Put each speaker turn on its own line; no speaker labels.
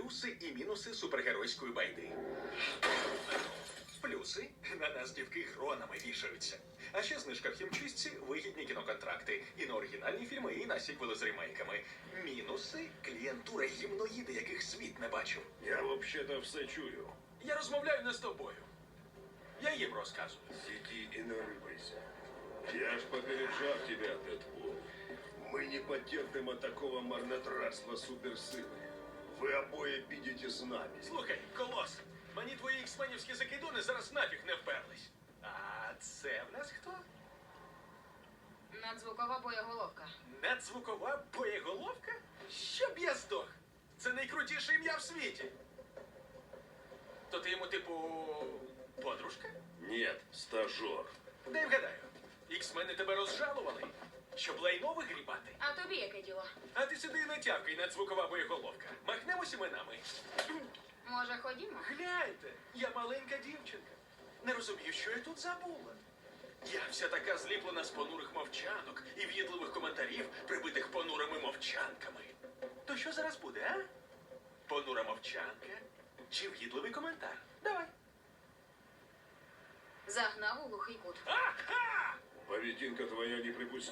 плюси і мінуси супергеройської байди. Плюси на нас дівки гронами вішаються. А ще знижка в хімчистці, вигідні кіноконтракти. І на оригінальні фільми, і на сіквели з ремейками. Мінуси клієнтура гімноїди, яких світ не бачив.
Я вообще-то все чую.
Я розмовляю не з тобою. Я їм розказую.
Сиди и не рыпайся. Я ж попереджав тебя, Дэдпул. Мы не потерпим такого марнотратства суперсилы. Вы обои підете з нами.
Слухай, Колос, мені твої іксменівські закидони зараз нафіг не вперлись. А це в нас хто?
Надзвукова боєголовка.
Надзвукова боєголовка? Щоб я здох. Це найкрутіше ім'я в світі. То ти йому, типу, подружка?
Нет, стажер.
Дай вгадаю. Іксмени тебе розжалували, щоб лайно вигрібати.
А тобі яке діло?
А ти сиди і натявкай, надзвукова боєголовка. Махнемось іменами.
Може, ходімо?
Гляньте, я маленька дівчинка. Не розумію, що я тут забула. Я вся така зліплена з понурих мовчанок і в'їдливих коментарів, прибитих понурими мовчанками. То що зараз буде, а? Понура мовчанка чи в'їдливий коментар? Давай.
Загнав у глухий кут.
Ага!
Поведінка твоя неприпустима.